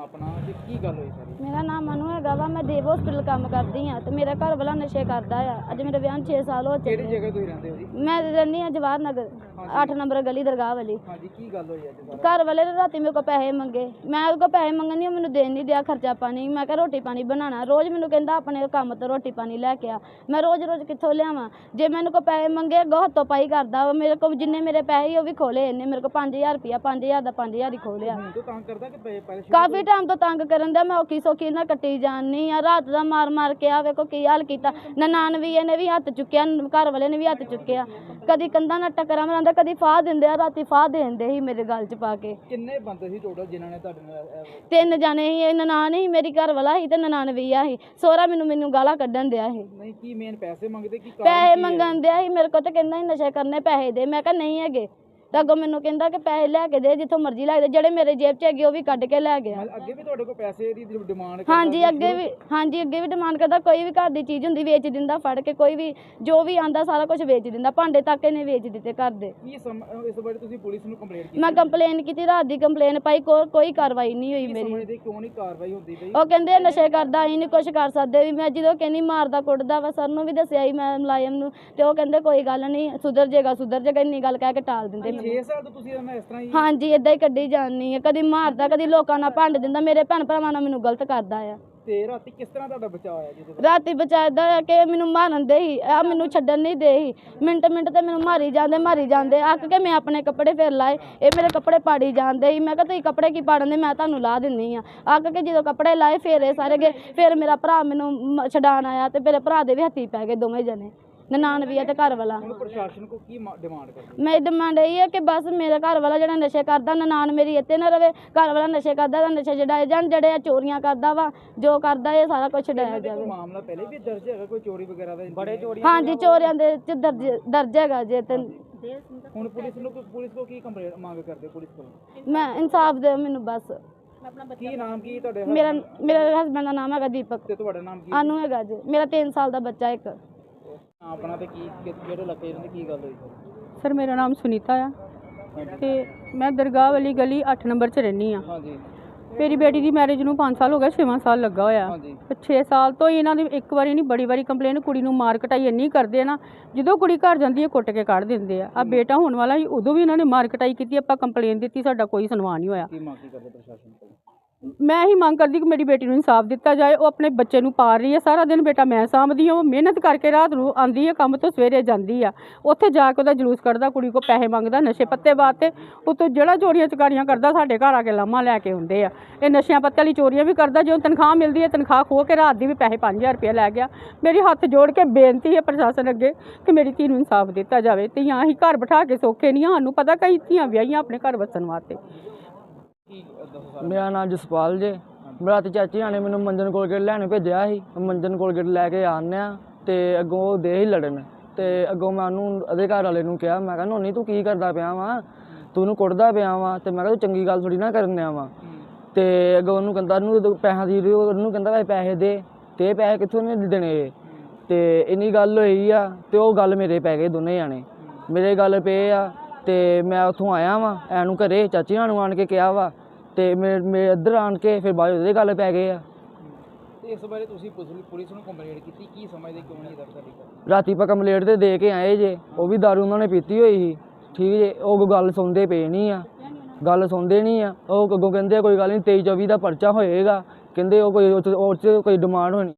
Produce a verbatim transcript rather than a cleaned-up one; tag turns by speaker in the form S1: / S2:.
S1: ਆਪਣਾ ਤੇ ਕੀ ਗੱਲ ਹੋਈ ਸਾਰੀ?
S2: ਮੇਰਾ ਨਾਮ ਮਨੂ ਹੈਗਾ ਵਾ। ਮੈਂ ਦੇਵ ਹਸਪੀਟਲ ਕੰਮ ਕਰਦੀ ਹਾਂ ਤੇ ਮੇਰਾ ਘਰ ਵਾਲਾ ਨਸ਼ੇ ਕਰਦਾ ਆ। ਅੱਜ ਮੇਰੇ ਵਿਆਹ ਨੂੰ ਛੇ ਸਾਲ ਹੋ
S1: ਕਿਹੜੀ
S2: ਚੁੱਕੇ।
S1: ਜਗ੍ਹਾ ਤੁਸੀਂ ਰਹਿੰਦੇ ਹੋ ਜੀ?
S2: ਮੈਂ ਰਹਿੰਦੀ ਹਾਂ ਜਵਾਹਰ ਨਗਰ ਅੱਠ ਨੰਬਰ ਗਲੀ ਦਰਗਾਹ ਵਾਲੀ।
S1: ਹਾਂਜੀ, ਕੀ ਗੱਲ ਹੋਈ ਅੱਜ ਸਾਰਾ?
S2: ਘਰ ਵਾਲੇ ਨੇ ਰਾਤੀ ਮੇਰੇ ਕੋਲ ਪੈਸੇ ਮੰਗੇ। ਮੈਂ ਉਹਦੇ ਕੋਲ ਪੈਸੇ ਮੰਗਣ ਨਹੀਂ, ਮੈਨੂੰ ਦੇਣ ਨਹੀਂ ਦਿਆ ਖਰਚਾ ਪਾਣੀ। ਮੈਂ ਕਿਹਾ ਰੋਟੀ ਪਾਣੀ ਬਣਾਉਣਾ। ਰੋਜ਼ ਮੈਨੂੰ ਕਹਿੰਦਾ ਆਪਣੇ ਕੰਮ ਤੋਂ ਰੋਟੀ ਪਾਣੀ ਲੈ ਕੇ ਆ। ਮੈਂ ਰੋਜ਼ ਰੋਜ਼ ਕਿੱਥੋਂ ਲਿਆਵਾਂ? ਜੇ ਮੈਨੂੰ ਕੋਈ ਪੈਸੇ ਮੰਗੇ ਅੱਗੋਂ ਹੱਥੋਂ ਪਾਈ ਕਰਦਾ ਵਾ। ਮੇਰੇ ਕੋਲ ਜਿੰਨੇ ਮੇਰੇ ਪੈਸੇ ਉਹ ਵੀ ਖੋਲੇ ਇਹਨੇ। ਮੇਰੇ ਕੋਲ ਪੰਜ ਹਜ਼ਾਰ ਰੁਪਇਆ ਪੰਜ ਹਜ਼ਾਰ ਦਾ ਪੰਜ ਹਜ਼ਾਰ ਹੀ ਖੋਲਿਆ।
S1: ਹੁਣ ਤੋਂ ਤੰਗ ਕਰਦਾ ਕਿ ਪੈ- ਪਹਿਲੇ ਸ਼ੁਰੂ
S2: ਕਾਫੀ ਟਾਈਮ ਤੋਂ ਤੰਗ ਕਰਨ ਦਾ। ਮੈਂ ਔਖੀ ਸੌਖੀ ਨਾਲ ਕੱਟੀ ਜਾਣੀ ਆ। ਰਾਤ ਦਾ ਮਾਰ ਮਾਰ ਕੇ ਆ ਵੇਖੋ ਕੀ ਹਾਲ ਕੀਤਾ। ਨਨਾਣ ਵੀ ਇਹਨੇ ਵੀ ਹੱਥ ਚੁੱਕਿਆ, ਘਰ ਵਾਲੇ ਨੇ ਵੀ ਹੱਥ ਚੁੱਕਿਆ। ਕਦੀ ਕੰਧਾਂ ਨਾਲ ਟੱਕਰਾਂ ਮਰਾਂਦਾ, ਕਦੀ ਫਾਹ ਦਿੰਦੇ ਆ। ਰਾਤੀ ਫਾਹ ਦੇ ਦਿੰਦੇ ਸੀ ਮੇਰੇ ਗਲ 'ਚ ਪਾ ਕੇ।
S1: ਕਿੰਨੇ ਬੰਦੇ ਸੀ ਟੋਟਲ ਜਿਨ੍ਹਾਂ ਨੇ ਤੁਹਾਡੇ ਨਾਲ ਇਹ-
S2: ਤਿੰਨ ਜਾਣੇ ਸੀ। ਇਹ ਨਨਾਣ ਸੀ, ਮੇਰੀ ਘਰ ਵਾਲਾ ਸੀ ਤੇ ਨਨਾਣ ਵੀ ਆ ਸੀ। ਸਹੁਰਾ ਮੈਨੂੰ ਮੈਨੂੰ ਗਾਲਾਂ ਕੱਢਣ ਦਿਆ ਸੀ।
S1: ਨਹੀਂ, ਕੀ ਮੇਨ ਪੈਸੇ ਮੰਗਦੇ ਕੀ ਕਾਰਨ
S2: ਪੈਸੇ
S1: ਕੀ ਹੈ?
S2: ਮੰਗਣ ਦਿਆ ਸੀ ਮੇਰੇ ਕੋਲ ਤੇ ਕਹਿੰਦਾ ਸੀ ਨਸ਼ੇ ਕਰਨੇ, ਪੈਸੇ ਦੇ। ਮੈਂ ਕਿਹਾ ਨਹੀਂ ਹੈਗੇ। ਤਾਂ ਅੱਗੋਂ ਮੈਨੂੰ ਕਹਿੰਦਾ ਕਿ ਪੈਸੇ ਲੈ ਕੇ ਦੇ, ਜਿੱਥੋਂ ਮਰਜ਼ੀ ਲੈ ਕੇ ਦੇ। ਜਿਹੜੇ ਮੇਰੇ ਜੇਬ 'ਚ ਹੈਗੇ ਉਹ ਵੀ ਕੱਢ ਕੇ ਲੈ ਗਿਆ।
S1: ਮਤਲਬ ਅੱਗੇ ਵੀ ਤੁਹਾਡੇ ਕੋਲ ਪੈਸੇ ਦੀ ਡਿਮਾਂਡ ਕਰਦਾ
S2: ਹਾਂਜੀ
S1: ਸੀ?
S2: ਅੱਗੇ ਵੀ ਹਾਂਜੀ ਅੱਗੇ ਵੀ ਡਿਮਾਂਡ ਕਰਦਾ। ਕੋਈ ਵੀ ਘਰ ਦੀ ਚੀਜ਼ ਹੁੰਦੀ ਵੇਚ ਦਿੰਦਾ ਫੜ ਕੇ। ਕੋਈ ਵੀ ਜੋ ਵੀ ਆਂਦਾ ਸਾਰਾ ਕੁਝ ਵੇਚ ਦਿੰਦਾ। ਭਾਂਡੇ ਤੱਕ ਇਹਨੇ ਵੇਚ ਦਿੱਤੇ ਘਰ ਦੇ।
S1: ਕੀ ਸਮ- ਇਸ ਬਾਰੇ ਤੁਸੀਂ ਪੁਲਿਸ ਨੂੰ ਕੰਪਲੇਂਟ ਕੀਤੀ?
S2: ਮੈਂ ਕੰਪਲੇਨ ਕੀਤੀ, ਰਾਤ ਦੀ ਕੰਪਲੇਨ ਪਾਈ, ਕੋ, ਕੋਈ ਕਾਰਵਾਈ ਨਹੀਂ ਹੋਈ
S1: ਕੀ
S2: ਮੇਰੀ।
S1: ਸਮਝਦੇ ਕਿਉਂ ਨਹੀਂ ਕਾਰਵਾਈ ਹੁੰਦੀ ਪਈ?
S2: ਉਹ ਕਹਿੰਦੇ ਇਹ ਨਸ਼ੇ ਕਰਦਾ, ਅਸੀਂ ਨਹੀਂ ਕੁਝ ਕਰ ਸਕਦੇ ਵੀ। ਮੈਂ ਜਦੋਂ ਕਹਿੰਦੀ ਮਾਰਦਾ ਕੁੱਟਦਾ ਵਾ, ਸਰ ਨੂੰ ਵੀ ਦੱਸਿਆ ਸੀ ਮੈਂ ਮੁਲਾਜ਼ਮ ਨੂੰ, ਤੇ ਉਹ ਕਹਿੰਦੇ ਕੋਈ ਗੱਲ ਨਹੀਂ, ਸੁਧਰ ਜਾਏਗਾ ਸੁਧਰ ਜਾਏਗਾ, ਇੰਨੀ ਗੱਲ ਕਹਿ ਕੇ ਟਾਲ ਦਿੰਦੇ ਮੈਨੂੰ।
S1: ਛੇ ਸਾਲ ਤੋਂ ਤੁਸੀਂ ਇਹਨਾਂ ਇਸ ਤਰ੍ਹਾਂ ਹੀ?
S2: ਹਾਂਜੀ ਇਦਾਂ ਹੀ ਕੱਢੀ ਜਾਂਦੀ ਹੈ। ਕਦੀ ਮਾਰਦਾ, ਕਦੀ ਲੋਕਾਂ ਨਾਲ ਭੰਡ ਦਿੰਦਾ। ਮੇਰੇ ਭੈਣ ਭਰਾਵਾਂ ਨਾਲ ਮੈਨੂੰ ਗਲਤ ਕਰਦਾ ਆ।
S1: ਤੇ ਰਾਤੀ ਕਿਸ ਤਰ੍ਹਾਂ ਤੁਹਾਡਾ ਬਚਾਅ ਹੋਇਆ ਜੀ?
S2: ਰਾਤੀ ਬਚਾਇਦਾ ਆ ਕਿ ਮੈਨੂੰ ਮਾਰਨ ਦੇ ਹੀ ਆ, ਮੈਨੂੰ ਛੱਡਣ ਨਹੀਂ ਦੇ ਹੀ। ਮਿੰਟ ਮਿੰਟ ਤੇ ਮੈਨੂੰ ਮਾਰੀ ਜਾਂਦੇ ਮਾਰੀ ਜਾਂਦੇ ਅੱਕ ਕੇ ਮੈਂ ਆਪਣੇ ਕੱਪੜੇ ਫਿਰ ਲਾਏ। ਇਹ ਮੇਰੇ ਕੱਪੜੇ ਪਾੜੀ ਜਾਂਦੇ ਸੀ। ਮੈਂ ਕਿਹਾ ਤੁਸੀਂ ਕੱਪੜੇ ਕੀ ਪਾੜਨ ਦੇ, ਮੈਂ ਤੁਹਾਨੂੰ ਲਾ ਦਿੰਨੀ ਆ। ਅੱਕ ਕੇ ਜਦੋਂ ਕੱਪੜੇ ਲਾਏ ਫਿਰ ਇਹ ਸਾਰੇ ਗਏ। ਫਿਰ ਮੇਰਾ ਭਰਾ ਮੈਨੂੰ ਮ- ਛਡਾਣ ਆਇਆ ਤੇ ਮੇਰੇ ਭਰਾ ਦੇ ਵੀ ਹੱਥੀ ਪੈ ਗਏ ਦੋਵੇਂ ਜਣੇ, ਨਨਾਣ ਵੀ ਆ ਤੇ ਘਰ ਵਾਲਾ।
S1: ਹੁਣ ਪ੍ਰਸ਼ਾਸਨ ਕੋ ਕੀ ਡਿਮਾਂਡ ਕਰਦੇ?
S2: ਮੇਰੀ ਡਿਮਾਂਡ ਇਹ ਹੈ ਕਿ ਬਸ ਮੇਰਾ ਘਰ ਵਾਲਾ ਜਿਹੜਾ ਨਸ਼ੇ ਕਰਦਾ, ਨਨਾਣ ਮੇਰੀ ਇੱਥੇ ਨਾ ਰਵੇ। ਘਰ ਵਾਲਾ ਨਸ਼ੇ ਕਰਦਾ ਤਾਂ ਨਸ਼ੇ ਛਡਾਏ ਜਾਣ। ਜਿਹੜੇ ਆ ਚੋਰੀਆਂ ਕਰਦਾ ਵਾ, ਜੋ ਕਰਦਾ ਇਹ ਸਾਰਾ ਕੁਝ ਛਡਾਇਆ ਜਾਵੇ।
S1: ਮਾਮਲਾ ਪਹਿਲੇ ਵੀ ਦਰਜ ਹੈਗਾ ਕੋਈ ਚੋਰੀ ਵਗੈਰਾ ਦਾ? ਬੜੇ ਚੋਰੀ?
S2: ਹਾਂਜੀ ਚੋਰੀਆਂ ਦੇ ਚ ਦਰਜ ਦਰਜ ਹੈਗਾ ਜੇ। ਤੇ
S1: ਹੁਣ ਪੁਲਿਸ ਨੂੰ ਪੁਲਿਸ ਕੋ ਕੀ ਕੰਪਲੇਂਟ ਮੰਗ ਕਰਦੇ ਪੁਲਿਸ ਕੋਲ?
S2: ਮੈਂ ਇਨਸਾਫ ਦਿਓ ਮੈਨੂੰ ਬਸ।
S1: ਕੀ ਨਾਮ ਕੀ ਤੁਹਾਡੇ?
S2: ਮੇਰਾ ਮੇਰੇ ਹਸਬੈਂਡ ਦਾ ਨਾਮ ਹੈਗਾ ਦੀਪਕ।
S1: ਤੇ ਤੁਹਾਡਾ ਨਾਮ ਕੀ?
S2: ਆਨੂ ਹੈਗਾ ਜੀ। ਮੇਰਾ ਤਿੰਨ ਸਾਲ ਦਾ ਬੱਚਾ ਇੱਕ।
S1: ਆਪਣਾ ਤੇ ਕੀ ਕਿਹੜੇ ਇਲਾਕੇ ਇਹਨਾਂ ਦੀ ਕੀ ਗੱਲ ਹੋਈ?
S3: ਸਰ ਮੇਰਾ ਨਾਮ ਸੁਨੀਤਾ ਆ ਤੇ ਮੈਂ ਦਰਗਾਹ ਵਾਲੀ ਗਲੀ ਅੱਠ ਨੰਬਰ 'ਚ ਰਹਿੰਦੀ ਆ।
S1: ਹਾਂਜੀ।
S3: ਮੇਰੀ ਬੇਟੀ ਦੀ ਮੈਰਿਜ ਨੂੰ ਪੰਜ ਸਾਲ ਹੋ ਗਏ, ਛੇਵਾਂ ਸਾਲ ਲੱਗਾ ਹੋਇਆ।
S1: ਹਾਂਜੀ।
S3: ਤੇ ਛੇ ਸਾਲ ਤੋਂ ਹੀ ਇਹਨਾਂ ਦੀ ਇੱਕ ਵਾਰੀ ਨਹੀਂ ਬੜੀ ਵਾਰੀ ਕੰਪਲੇਨ, ਕੁੜੀ ਨੂੰ ਮਾਰ ਕਟਾਈ ਇੰਨੀ ਕਰਦੇ ਆ ਨਾ, ਜਦੋਂ ਕੁੜੀ ਘਰ ਜਾਂਦੀ ਹੈ ਕੁੱਟ ਕੇ ਕੱਢ ਦਿੰਦੇ ਆ। ਆ ਬੇਟਾ ਹੋਣ ਵਾਲਾ ਸੀ, ਉਦੋਂ ਵੀ ਇਹਨਾਂ ਨੇ ਮਾਰ ਕਟਾਈ ਕੀਤੀ। ਆਪਾਂ ਕੰਪਲੇਨ ਦਿੱਤੀ, ਸਾਡਾ ਕੋਈ ਸੁਣਵਾਈ ਨਹੀਂ ਹੋਇਆ।
S1: ਕੀ ਮੰਗ ਕੀ ਕਰਦੇ ਪ੍ਰਸ਼ਾਸਨ ਕੋਲ?
S3: ਮੈਂ ਹੀ ਮੰਗ ਕਰਦੀ ਕਿ ਮੇਰੀ ਬੇਟੀ ਨੂੰ ਇਨਸਾਫ ਦਿੱਤਾ ਜਾਏ। ਉਹ ਆਪਣੇ ਬੱਚੇ ਨੂੰ ਪਾਲ ਰਹੀ ਹੈ, ਸਾਰਾ ਦਿਨ ਬੇਟਾ ਮੈਂ ਸਾਂਭਦੀ ਹਾਂ। ਉਹ ਮਿਹਨਤ ਕਰਕੇ ਰਾਤ ਨੂੰ ਆਉਂਦੀ ਹੈ ਕੰਮ ਤੋਂ, ਸਵੇਰੇ ਜਾਂਦੀ ਆ, ਉੱਥੇ ਜਾ ਕੇ ਉਹਦਾ ਜਲੂਸ ਕੱਢਦਾ, ਕੁੜੀ ਕੋ ਪੈਸੇ ਮੰਗਦਾ ਨਸ਼ੇ ਪੱਤੇ ਵਾਸਤੇ। ਉੱਤੋਂ ਜਿਹੜਾ ਚੋਰੀਆਂ ਚਕਾਰੀਆਂ ਕਰਦਾ, ਸਾਡੇ ਘਰ ਆ ਕੇ ਲਾਮਾ ਲੈ ਕੇ ਆਉਂਦੇ ਆ। ਇਹ ਨਸ਼ਿਆਂ ਪੱਤੇ ਵਾਲੀ ਚੋਰੀਆਂ ਵੀ ਕਰਦਾ। ਜਦੋਂ ਤਨਖਾਹ ਮਿਲਦੀ ਹੈ, ਤਨਖਾਹ ਖੋਹ ਕੇ ਰਾਤ ਦੀ ਵੀ ਪੈਸੇ ਪੰਜ ਹਜ਼ਾਰ ਰੁਪਇਆ ਲੈ ਗਿਆ। ਮੇਰੀ ਹੱਥ ਜੋੜ ਕੇ ਬੇਨਤੀ ਹੈ ਪ੍ਰਸ਼ਾਸਨ ਅੱਗੇ ਕਿ ਮੇਰੀ ਧੀ ਨੂੰ ਇਨਸਾਫ ਦਿੱਤਾ ਜਾਵੇ। ਧੀਆਂ ਅਸੀਂ ਘਰ ਬਿਠਾ ਕੇ ਸੌਖੇ ਨਹੀਂ, ਸਾਨੂੰ ਪਤਾ ਕਈ ਧੀਆਂ ਵਿਆਹੀਆਂ ਆਪਣੇ ਘਰ ਵਸਣ ਵਾਸਤੇ।
S4: ਮੇਰਾ ਨਾਮ ਜਸਪਾਲ ਜੇ। ਮੇਰਾ ਤੇ ਚਾਚੀ ਨੇ ਮੈਨੂੰ ਮੰਜਨ ਕੋਲਗੇਟ ਲੈਣ ਭੇਜਿਆ ਸੀ। ਮੰਜਨ ਕੋਲਗੇਟ ਲੈ ਕੇ ਆਉਂਦੇ ਹਾਂ ਤੇ ਅੱਗੋਂ ਉਹ ਦੇ ਹੀ ਲੜਨ। ਤੇ ਅੱਗੋਂ ਮੈਂ ਉਹਨੂੰ ਉਹਦੇ ਘਰ ਵਾਲੇ ਨੂੰ ਕਿਹਾ, ਮੈਂ ਕਿਹਾ ਨੋਨੀ ਤੂੰ ਕੀ ਕਰਦਾ ਪਿਆ ਵਾ, ਤੂੰ ਉਹਨੂੰ ਕੁੱਟਦਾ ਪਿਆ ਵਾ। ਤੇ ਮੈਂ ਕਿਹਾ ਤੂੰ ਚੰਗੀ ਗੱਲ ਥੋੜੀ ਨਾ ਕਰਨ ਡਿਆ ਵਾ। ਤੇ ਅੱਗੋਂ ਉਹਨੂੰ ਕਹਿੰਦਾ ਉਹਨੂੰ ਪੈਸਿਆਂ ਦੀ, ਉਹਨੂੰ ਕਹਿੰਦਾ ਭਾਈ ਪੈਸੇ ਦੇ। ਤੇ ਪੈਸੇ ਕਿੱਥੋਂ ਨਹੀਂ ਦੇਣੇ? ਤੇ ਇੰਨੀ ਗੱਲ ਹੋਈ ਆ ਤੇ ਉਹ ਗੱਲ ਮੇਰੇ ਪੈ ਗਏ, ਦੋਨੇ ਜਾਣੇ ਮੇਰੇ ਗੱਲ ਪਏ ਆ। ਤੇ ਮੈਂ ਉੱਥੋਂ ਆਇਆ ਵਾਂ ਐਨੂੰ ਘਰੇ, ਚਾਚੀ ਨੂੰ ਆਣ ਕੇ ਕਿਹਾ ਵਾ ਤੇ ਮੇਰੇ ਮੇਰੇ ਇੱਧਰ ਆਣ ਕੇ ਫਿਰ ਬਾਅਦ ਉਹਦੇ ਗੱਲ ਪੈ ਗਏ ਆ।
S1: ਤੇ ਇਸ ਬਾਰੇ ਤੁਸੀਂ ਪੁਲਿਸ ਨੂੰ ਕੰਪਲੇਂਟ ਕੀਤੀ, ਕੀ ਸਮਝਦੇ ਕਿਉਂ ਨਹੀਂ ਦਰਜ ਸਾਡੀ?
S4: ਰਾਤੀ ਆਪਾਂ ਕੰਪਲੇਂਟ ਤੇ ਦੇ ਕੇ ਆਏ ਜੇ। ਉਹ ਵੀ ਦਾਰੂ ਉਹਨਾਂ ਨੇ ਪੀਤੀ ਹੋਈ ਸੀ, ਠੀਕ ਜੇ। ਉਹ ਗੱਲ ਸੁਣਦੇ ਪਏ ਨਹੀਂ ਆ, ਗੱਲ ਸੁਣਦੇ ਨਹੀਂ ਆ। ਉਹ ਅੱਗੋਂ ਕਹਿੰਦੇ ਕੋਈ ਗੱਲ ਨਹੀਂ, ਤੇਈ ਚੌਵੀ ਦਾ ਪਰਚਾ ਹੋਏਗਾ। ਕਹਿੰਦੇ ਉਹ ਕੋਈ ਉਹ 'ਚ ਕੋਈ ਡਿਮਾਂਡ ਹੋਣੀ।